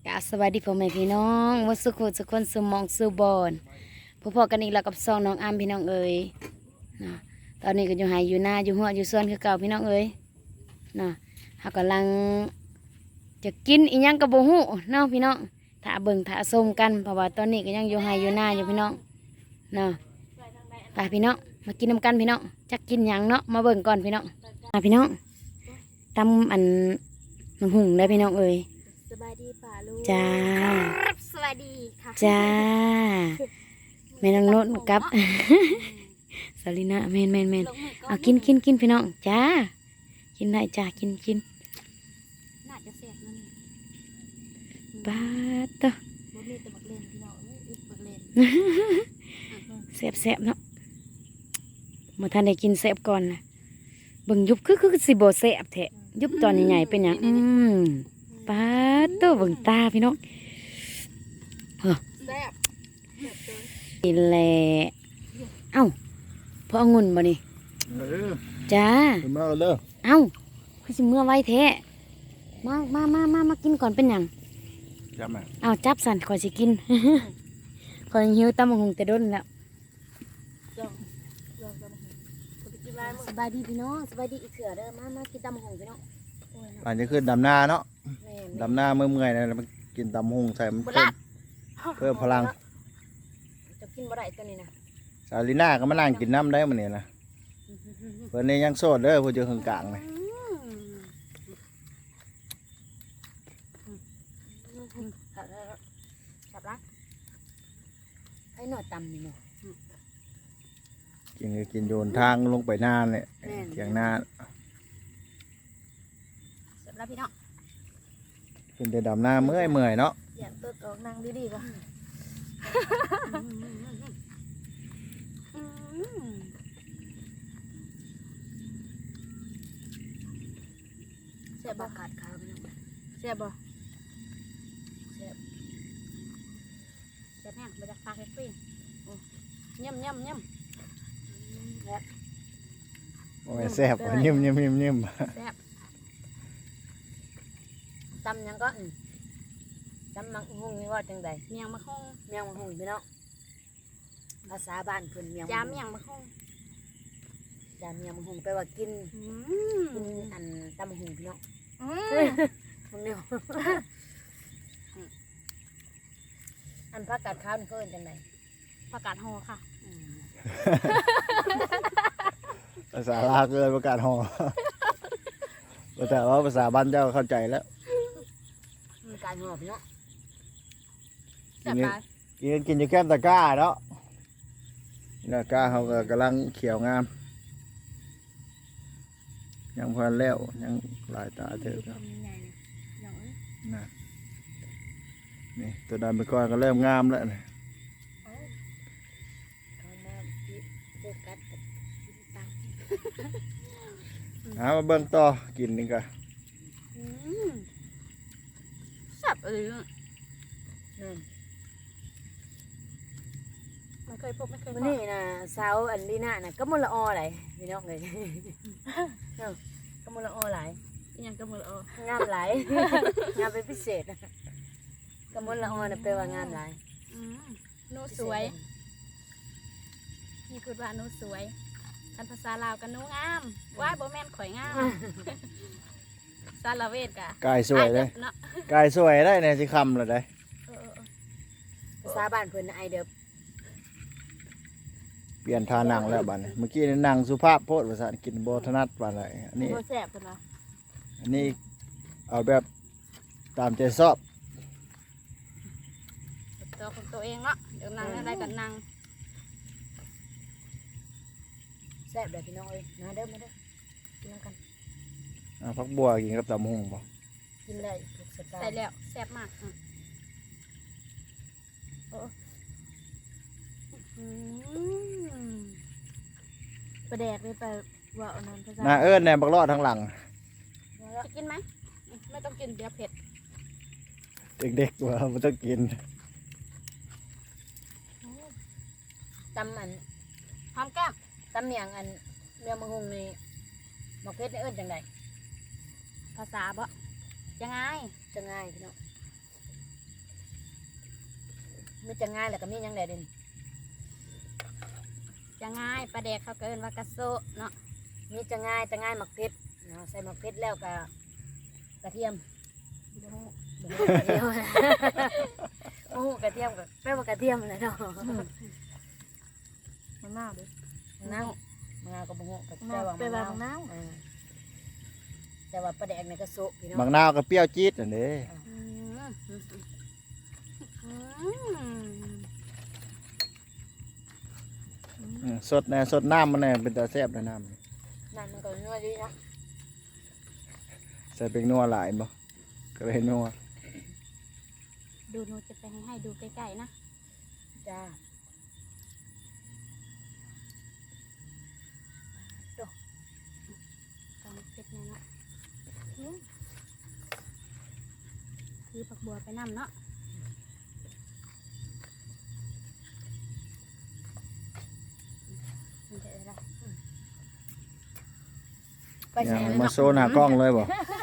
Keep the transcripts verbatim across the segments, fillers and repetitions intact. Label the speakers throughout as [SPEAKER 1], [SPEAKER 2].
[SPEAKER 1] กะสวัสดีพ่อแม่พี่น้องวัดสุขุสุขคนสุหมองสุบอนพบๆกันอีกแล้วกับซองน้องอามพี่น้องเอ๋ยนะตอนนี้ก็อยู่หายอยู่หน้าอยู่หัวอยู่ส่วนคือเก่าพี่น้องเอ๋ยนะเขากำลังจะกินอีหยังกระโบหูเนาะพี่น้องถ้าเบิ่งถ้าส้มกันเพราะว่าตอนนี้ก็ยังอยู่หายอยู่หน้าอยู่พี่น้องนะไปพี่น้องมากินน้ำกันพี่น้องจะกินหยังเนาะมาเบิ่งก่อนพี่น้องมาพี่น้องตำอันมันหุ่งได้พี่น้องเอ๋ย
[SPEAKER 2] สบายดีป่าลูก
[SPEAKER 1] จ้า
[SPEAKER 2] สวัสดีค่ะ
[SPEAKER 1] จ้าแม่นางโนดกับสลินะแม่นแม่นแม่นเอากินกินกินพี่น้องจ้ากินได้จ้ากินกิน
[SPEAKER 2] น่าจะเสียบนั่น
[SPEAKER 1] บาดต่อ
[SPEAKER 2] บ่มีแต่บักเลนพี่น้องอึดบักเลน
[SPEAKER 1] เสียบเสียบเนาะมาท่านได้กินเสียบก่อนนะเบิ่งยุบคือคือสิบ่เสียบแท้ยุบตอนใหญ่ๆเป็นหยังอืมปาดตัวเบิ่งตาพี่น้องเฮ้อ
[SPEAKER 2] แซ่บ
[SPEAKER 1] กินแหละเอ้าพอองุ่นบ่นี่จ้า
[SPEAKER 3] มาเอาเลย
[SPEAKER 1] เอ้าคือสิเมื่อไว้แท้มามามามามากินก่อนเป็นหยัง
[SPEAKER 3] จับมา
[SPEAKER 1] เอาจับสันขอยสิกิน ขอยหิวตำบักหุ่งแต่ด้นแล้วสบายดีพี่น้องสบายดีอีกเถื่อเด้อมามากินตำบักหุ่งพี่น้อง
[SPEAKER 3] หลังจากขึ้นดำนาเนาะ
[SPEAKER 1] แม่
[SPEAKER 3] ดำนาเมื่อเมื่อยๆนะมันกินตำหงใส่มันเพิ่มเพิ่มพลัง
[SPEAKER 1] จะกินบ่ได้ตัวนี้นะ
[SPEAKER 3] สาลิน่าก็มานั่งกินน้ำได้มันเนี่ยนะเพื่อนนี่ยังโสดเด้อผู้เจอข้างกลางเลย
[SPEAKER 1] จับละไอ้หน่อตำนี่เนาะ
[SPEAKER 3] กินก็กินโยนทางลงไปหน้าเนี่ยเถียงหน้า
[SPEAKER 1] จับละพี่น้อง
[SPEAKER 3] ขึ้นไปดำนาเมื่อยเมื่อยๆเนาะ
[SPEAKER 2] อยากเติร์ดออกนั่งดีๆป่ะ
[SPEAKER 1] เสียบขาดขาวพี่น้อง
[SPEAKER 2] แซ่บบ่
[SPEAKER 1] เสียบ
[SPEAKER 2] แซ่บแห้งมาจากปากแฮปปี้ย่ำย่ำย่ำ
[SPEAKER 1] แล้ว
[SPEAKER 3] โอ้ยแซ่บนิ่มนิ่มนิ่มนิ่ม
[SPEAKER 2] แซ่บ
[SPEAKER 1] ตำหยังก็อืมตำมักหุ่งนี่ว่าจังใด
[SPEAKER 2] เมียงมะฮง
[SPEAKER 1] เมียงมักหุ่งพี่น้องภาษาบ้านเพิ่นเมียง
[SPEAKER 2] ยามเมียงมะฮง
[SPEAKER 1] ยามเมียงมักหุ่งแปลว่ากิน
[SPEAKER 2] อื
[SPEAKER 1] กิน
[SPEAKER 2] ม
[SPEAKER 1] อันตำบักหุ่งพี่น้อง
[SPEAKER 2] อืม
[SPEAKER 1] มึงเนี่ยอันผักกาดขาวนี่เขาเอิ้นจังได
[SPEAKER 2] ประกาศฮอค่ะ
[SPEAKER 1] อืม
[SPEAKER 3] ภาษาลาวเกินประกาศหอแต่ว่าภาษาบ้านเจ้าเข้าใจแล้ว
[SPEAKER 1] มันกลายหัวพี่น้อง
[SPEAKER 2] แซ่บหลาย
[SPEAKER 3] กินกินอยู่แก้มตะกร้าเนาะตะกร้าเขาก็กำลังเขียวงามยังพอแล้วยังหลายตาเถอะครับ
[SPEAKER 2] ทำยังไงเนี่ยอย่างนี้
[SPEAKER 3] นะนี่ตัวดำไปก่อนก็เริ่มงามแล้วนะ
[SPEAKER 1] เขามาที่โฟกัสกับที่ตา
[SPEAKER 3] หามาเบิ่งต่อกินนี่ก็
[SPEAKER 2] อืมแซ่บเออ
[SPEAKER 1] นั่น
[SPEAKER 2] ไม่เคยพบไม่เคย
[SPEAKER 1] วั
[SPEAKER 2] พ
[SPEAKER 1] น
[SPEAKER 2] บ
[SPEAKER 1] นี้นะสาวอันลีน่าน่ะก็มลอออะไรพี่น้องเลย เนาะก็มลออหลาย
[SPEAKER 2] อีหยังก็มือละเออง
[SPEAKER 1] ามหลาย งามเป็นพิเศษก็มลออน่ะแปลว่างามหลาย
[SPEAKER 2] อืมหนูสวยพี่พูดว่าหนูสวยกันภาษาลาวกันหนูงามว่ายบ่แม่นข่อยงามซาลาเวทกะ
[SPEAKER 3] กายสวยเลย
[SPEAKER 2] เนาะ
[SPEAKER 3] กายสวยได้เนี่ยสิคำเลยได้
[SPEAKER 2] เออเออ
[SPEAKER 1] ภาษาบ้านเพิ่นน่ะไอเดิบ
[SPEAKER 3] เปลี่ยนทานังแล้วบัดนี้เมื่อกี้นี่นังสุภาพโพดภาษาอังกฤษโบถนัดปานใดอันนี้
[SPEAKER 2] บ่แซ่บเพิ่นว่า
[SPEAKER 3] อันนี้เอาแบบตามใจชอบ
[SPEAKER 2] ตัวของตัวเองเนาะเดี๋ยวนั่งได้กันนั่ง
[SPEAKER 1] แซ่บเลยพี่น้องเอ้ยมาเด้อมาเด้อกินน้ำกัน
[SPEAKER 3] อ่าพักบัวกินกับตำหงบ่
[SPEAKER 1] กินได้ทุกสไต
[SPEAKER 2] ใส่
[SPEAKER 1] ล์
[SPEAKER 2] แล้วแซ่บมากอืมโอ้อืมประแดกเลยไปว่าเอานั้นภาษา
[SPEAKER 3] หน้าเอิ้นแหนมบักรอดทั้งหลัง
[SPEAKER 2] จะกินไหมอืมไม่ต้องกินเดี๋ยวเผ็ด
[SPEAKER 3] เด็กๆว่ามันต้องกิน
[SPEAKER 1] ตำอัน
[SPEAKER 2] หอมแก้ม
[SPEAKER 1] ตำเมียงอันเมียงมังหุงนี่หมกเพชรนี่เอิ้นจังได
[SPEAKER 2] ภาษาบ่ยังไง
[SPEAKER 1] จะง่ายพี่น้องมีจะง่ายแหละก็มียังไงเด่น
[SPEAKER 2] จะง่ายปลาแดกเขาเกินว่ากระโซะเนาะ
[SPEAKER 1] มีจะง่ายจะง่ายหมักเพชรเนาะใส่หมักเพชรแล้วก็กระเทียมบ่ฮู้บ่ฮู้กระเทียมบ่ฮู้กระเทียมก็แปลว่ากระเทียมเลยเนาะ
[SPEAKER 2] มันน่าเด้อ
[SPEAKER 1] มะนาวมะนาวก็บ่ฮู้ก็แปลว่ามะ
[SPEAKER 2] แปลว่ามะ
[SPEAKER 1] นาน
[SPEAKER 2] าว ว
[SPEAKER 1] อ่าแต่ว่าปลาแดกนี่ก็โซะพี่น้อง
[SPEAKER 3] บางนาวก็เปรี้ยวจี๊ดอันนี้
[SPEAKER 2] อืมอืม
[SPEAKER 3] อืมสดแน่สดน้ำมันแน่เป็นตาแซ่บเลยน้ำ
[SPEAKER 1] นั่นมันก็นัวดีนะ
[SPEAKER 3] ใส่เป็นนัวหลายบ่ก็เลยนัว
[SPEAKER 2] ดูหนูจะไปให้ให้ดูใกล้ๆนะ
[SPEAKER 1] จ้า
[SPEAKER 2] ตอนเป็ดเนี่ยเนาะอืมคือผักบัวไปนำเนาะ มันจะอะไร
[SPEAKER 1] ไปใส่
[SPEAKER 3] ยัง
[SPEAKER 1] เลย
[SPEAKER 3] มา
[SPEAKER 1] เนาะ
[SPEAKER 3] โซนหน้ากล้องเลยบ่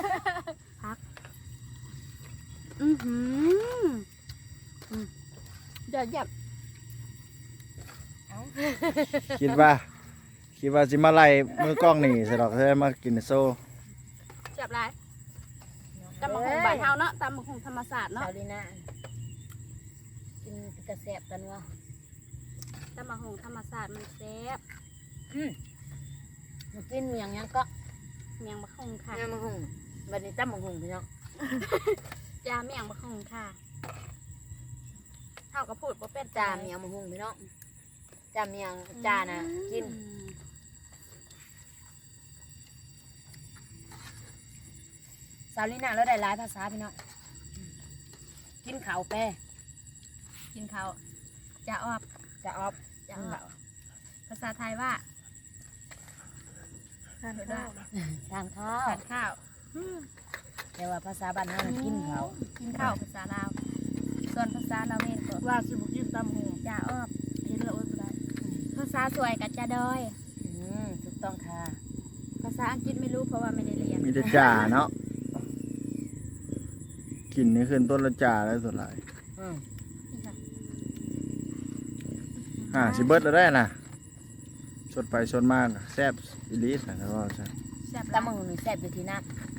[SPEAKER 2] อือหืออืมเดี๋ยวหยับ
[SPEAKER 3] คิดว่าคิดว่าสิมาไล่มือกล้องนี่สิดอกใช่มากินโซ
[SPEAKER 2] จับไรตำบักหุ่งบ้านเฮาเนาะตำบักหุ่งธรรมศาสตร์เนาะ
[SPEAKER 1] เนาะดีนะกินกระแสบกันวะ
[SPEAKER 2] ตำบักหุ่งธรรมศาสตร์มันแซ่บ
[SPEAKER 1] อืมมันกินเมียงยังก็
[SPEAKER 2] เมียงบักหุ่งค่ะ
[SPEAKER 1] งามมังหุงบัดนี้ตั้มมังหุงพี่น้อง
[SPEAKER 2] จ้าเมียงบักหุ่งค่ะเฮาก็พูดบ่เป็น
[SPEAKER 1] จ้าเมียงมังหุงพี่น้องจ้าเมียงจ้าน่ะกิน
[SPEAKER 2] อืม
[SPEAKER 1] สาวลีน่าแล้วได้หลายภาษาพี่น้องกินข้าวแปร
[SPEAKER 2] กินข้าวจะออบ
[SPEAKER 1] จะออบ
[SPEAKER 2] จะออบภาษาไทยว่าทานข้าว
[SPEAKER 1] ทานข้าว
[SPEAKER 2] ทานข้าวอืม
[SPEAKER 1] แต่ว่าภาษาบ้านเฮาน่ะกินข้าว
[SPEAKER 2] กินข้าวภาษาลาว ส่วนภาษาลาวเองก็ว่าสิบุกินตำหูจ่าออบเห็นแล้วอดบ่ได้ภาษาสวยกับจ่าดอย
[SPEAKER 1] อืมถูกต้องค่ะ
[SPEAKER 2] ภาษาอังกฤษไม่รู้เพราะว่าไม่ได้เรียน
[SPEAKER 3] มีแต่จ่าเนาะกินนี่ขึ้นต้นละจ่าแล้วสุดหลาย
[SPEAKER 1] อืม
[SPEAKER 2] นี่ค่ะ
[SPEAKER 3] อ่าสิเบิดแล้วได้น่ะสดไปสดมากแซ่บอีหลีสันก็ว่าซะ
[SPEAKER 2] แซ่บ
[SPEAKER 1] ตั้มมังหุงนี่แซ่บอยู่ที่น้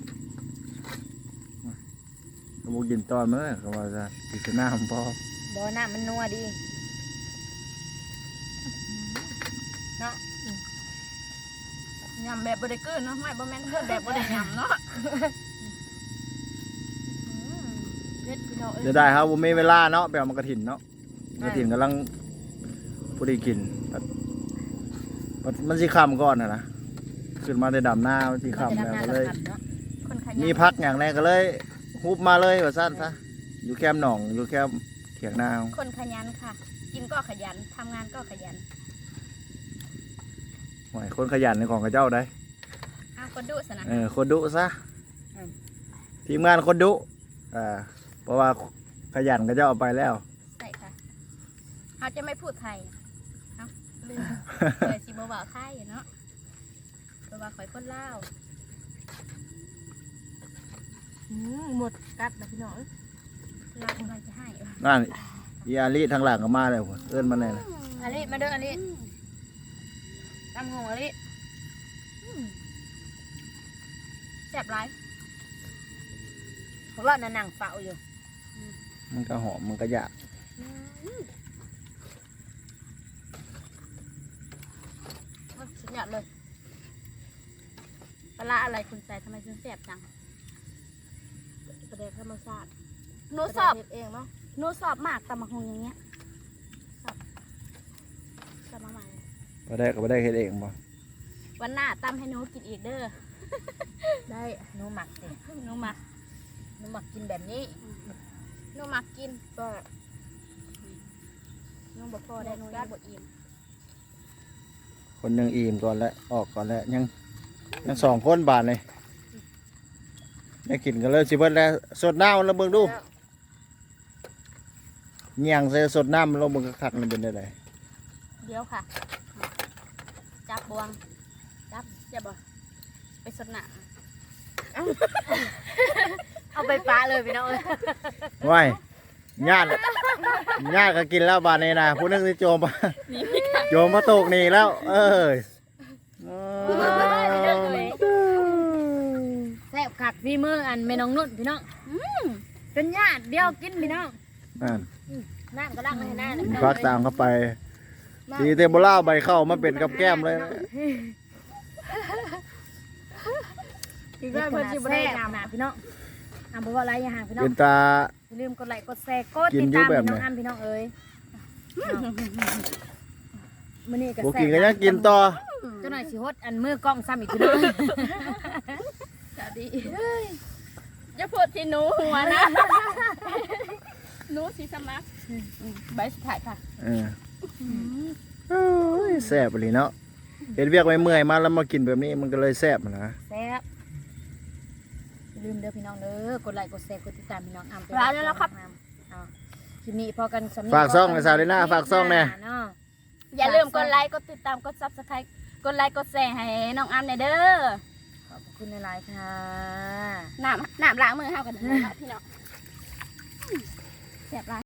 [SPEAKER 3] ก็บ่กินตอนมื้อก็ว่าซะกินแต่น้ำพอ
[SPEAKER 1] ำบ่อน้ำมันนัวดีเนาะ
[SPEAKER 2] ยำแบบบไดเกินเนาะไม่บ่แม่นเกินแบบบไดยำเนาะอืมเผ็ดพี่น้องเอ้ย
[SPEAKER 3] เดี๋ยวได้ครับบ่มีเวลาเนาะไปเอามากระถินเนาะกระถินกำลังพอดีกินปัดปัดมันสิค่ำก่อนน่ะนะขึ้นมาได้ดำหน้ามันสิค่ำ
[SPEAKER 1] จะ
[SPEAKER 3] แล้ว
[SPEAKER 1] ดำน้ำ
[SPEAKER 3] ก็
[SPEAKER 1] เรา
[SPEAKER 3] เลย
[SPEAKER 1] ทำเนาะ
[SPEAKER 2] คนขยัน
[SPEAKER 3] มีพักอย่างแรกก็เลยฮุบมาเลยว่าสั้นซะอยู่แคมป์หนองอยู่แคมป์เถียงนา
[SPEAKER 2] คนขยันค่ะ กินก็ขยันทำงานก็ขยัน
[SPEAKER 3] หอยคนขยันในของกระเจ้าได้
[SPEAKER 2] อ้าวคนดุสนะ
[SPEAKER 3] เออคนดุซะทีมงานคนดุอ่าเพราะว่าขยันกระเจ้าเอาไปแล้ว
[SPEAKER 2] ใช่ค่ะเขาจะไม่พูดไทยเอ้าลืมเลยสิบ่าวไทยเนาะเพราะว่าข่อยคนลาวหมดกัดนะพี่น้องลาวกำลังจะให้
[SPEAKER 3] นั่นอีอาลีทางหลังก็มาแล้วเอื้อนมาแน่เลย
[SPEAKER 1] อันนี้มาเด้ออันนี้ตั้มมังหุงอันนี้
[SPEAKER 2] แซ่บไร
[SPEAKER 1] เพราะว่านั่นนั่งเฝ้าอยู่
[SPEAKER 3] มันก็หอมมันก็อยาก
[SPEAKER 2] สุดยอดเลยปลาร้าอะไรคุณใส่ทำไมถึงแซ่บจัง
[SPEAKER 1] ประเดี๋ยวธรรมชาติ
[SPEAKER 2] หนูสอบ
[SPEAKER 1] เองเนาะ
[SPEAKER 2] หนูสอบมากตำมะฮงอย่างเงี้ยสอบสอบมาใหม่
[SPEAKER 3] ก็ได้ก็ไม่ได้เฮ็ดเองบ่
[SPEAKER 2] วันหน้าตำให้หนูกินอีกเด้อ
[SPEAKER 1] ได้หนูหมักสิ
[SPEAKER 2] หนูมัก
[SPEAKER 1] หนูหมักกินแบบนี้
[SPEAKER 2] หนูมักกินก็หนูบ่พอได้หนูยังบ่อิ่ม
[SPEAKER 3] คนยังอิ่มก่อนแล้วออกก่อนแล้วยังยังสองคนบาทเลยได้กินกันเลยสิเบิดแล้วสดน้ำแล้วเบิ่งดูเงี่ยงใส่สดน้ำแล้วเบิ่งคักๆมันเป็นได้ได
[SPEAKER 2] เดี๋ยวค่ะ จับบวง จับอย่าบ่ไปสดหนัง
[SPEAKER 1] เอาไปปลาเลยพี่น้องเอ้ย
[SPEAKER 3] ว้ายญาติยากก็กินแล้วบาดนี้นะผู้นึงสิโจมมา
[SPEAKER 2] นี่ไม่ค่ะ
[SPEAKER 3] โจมมาตกนี่แล้ว เอ้ย
[SPEAKER 1] แซ่บคักพี่มืออันแม่น้องนุ่นพี่น้องเป็นญาติเดียวกินพี่น้อง
[SPEAKER 3] นั่น
[SPEAKER 1] น้ำก็ล้างให้หน้าเลย
[SPEAKER 3] พักตามเข้าไปสีเทมโบล่าใบเข้ามาเป็นกับแก้มเลยนะ
[SPEAKER 1] อีกแล้วเพิ่นสิบ่ได้น้ำนะพี่น้องอ่ำบ่ว่าอะไรอย่าห่างพี่น้อง
[SPEAKER 3] เป็นตา
[SPEAKER 1] อย่าลืมกดไลค์กดแชร์กด
[SPEAKER 3] กิ
[SPEAKER 1] ติ
[SPEAKER 3] น
[SPEAKER 1] ด
[SPEAKER 3] อยู่
[SPEAKER 1] ตาม
[SPEAKER 3] แบบ
[SPEAKER 1] พี่
[SPEAKER 3] ไหน
[SPEAKER 1] น้องอ้ำพี่น้องเอ้ยมื้อนี้ก็
[SPEAKER 3] บุ
[SPEAKER 1] แซ่
[SPEAKER 3] กินก็
[SPEAKER 1] บ
[SPEAKER 3] ยังกินต่อ
[SPEAKER 1] เจ้าหน่อยสิฮดอันมือกล้องซ้ำอีกพี่น้อง
[SPEAKER 2] จะดีอย่าพูดที่หนูหัวนะหนูสีสมัครใบสุดท้ายค่ะ
[SPEAKER 3] เออโอ้ยแซ่บเลยเนาะเห็นเวียกไว้เมื่อยมาแล้วมากินแบบนี้มันก็เลยแซ่บนะ
[SPEAKER 1] แซ่บอย่าลืมเด้อพี่น้องเด้อกดไลค์กดแชร์กดติดตามพี่น้องอ้ำ
[SPEAKER 2] ร้านแล้วครับ
[SPEAKER 1] เอาคลิปนี้พอกันสำนึ
[SPEAKER 3] ฝากซ่องในซาวเลน่าฝากซ่องแน่
[SPEAKER 1] เนาะ
[SPEAKER 2] อย่าลืมกดไลค์กดติดตามกดซับสไครต์กดไลค์กดแชร์ให้น้องอ้ำในอยเด้อ
[SPEAKER 1] ขอบคุณในไลน์ค่ะ
[SPEAKER 2] น้ำน้ำล้างมือเฮากันเด้อพี่น้องแซ่บหลาย